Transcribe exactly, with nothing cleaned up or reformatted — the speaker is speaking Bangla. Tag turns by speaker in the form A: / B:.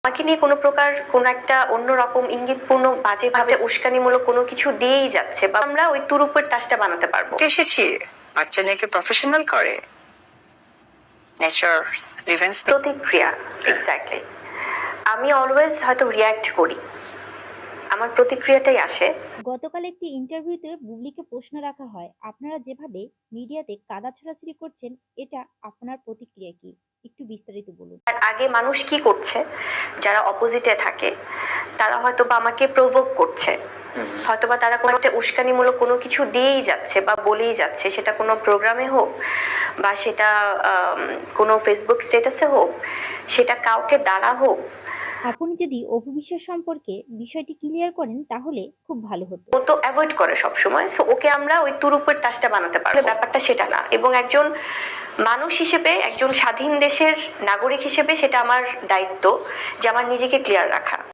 A: আমাকে নিয়ে কোনো প্রকার কোনো একটা অন্যরকম ইঙ্গিতপূর্ণ বাজেভাবে উস্কানিমূলক কোনো কিছু দিয়েই যাচ্ছে, বা আমরা ওই তুরুপের তাসটা বানাতে পারবো।
B: এসেছি বাচ্চা নিয়ে প্রফেশনাল করে নেচার রিভেন্স
A: প্রতিক্রিয়া, এক্স্যাক্টলি। আমি অলওয়েজ হয়তো রিয়্যাক্ট করি, আমার প্রতিক্রিয়াটাই আসে।
C: গতকাল একটি ইন্টারভিউতে বুবলিকে প্রশ্ন রাখা হয়, আপনারা যেভাবে মিডিয়াতে কাদা ছড়াছড়ি করছেন, এটা আপনার প্রতিক্রিয়া কি? একটু বিস্তারিত বলুন।
A: আর আগে মানুষ কি করছে, যারা অপোজিটে থাকে তারা হয়তো বা আমাকে প্রভোক করছে, হয়তোবা তারা কোনো একটা উস্কানিমূলক কোনো কিছু দিয়েই যাচ্ছে বা বলেই যাচ্ছে, সেটা কোনো প্রোগ্রামে হোক বা সেটা কোনো ফেসবুক স্ট্যাটাসে হোক, সেটা কাউকে দ্বারা হোক।
C: আপনি যদি অপবিশ্বাস সম্পর্কে বিষয়টি ক্লিয়ার করেন তাহলে খুব ভালো হতো।
A: ও তো অ্যাভয়েড করে সবসময়, সো ওকে আমরা ওই তুরুপের তাসটা বানাতে পারবো, ব্যাপারটা সেটা না। এবং একজন মানুষ হিসেবে, একজন স্বাধীন দেশের নাগরিক হিসেবে সেটা আমার দায়িত্ব যে আমার নিজেকে ক্লিয়ার রাখা।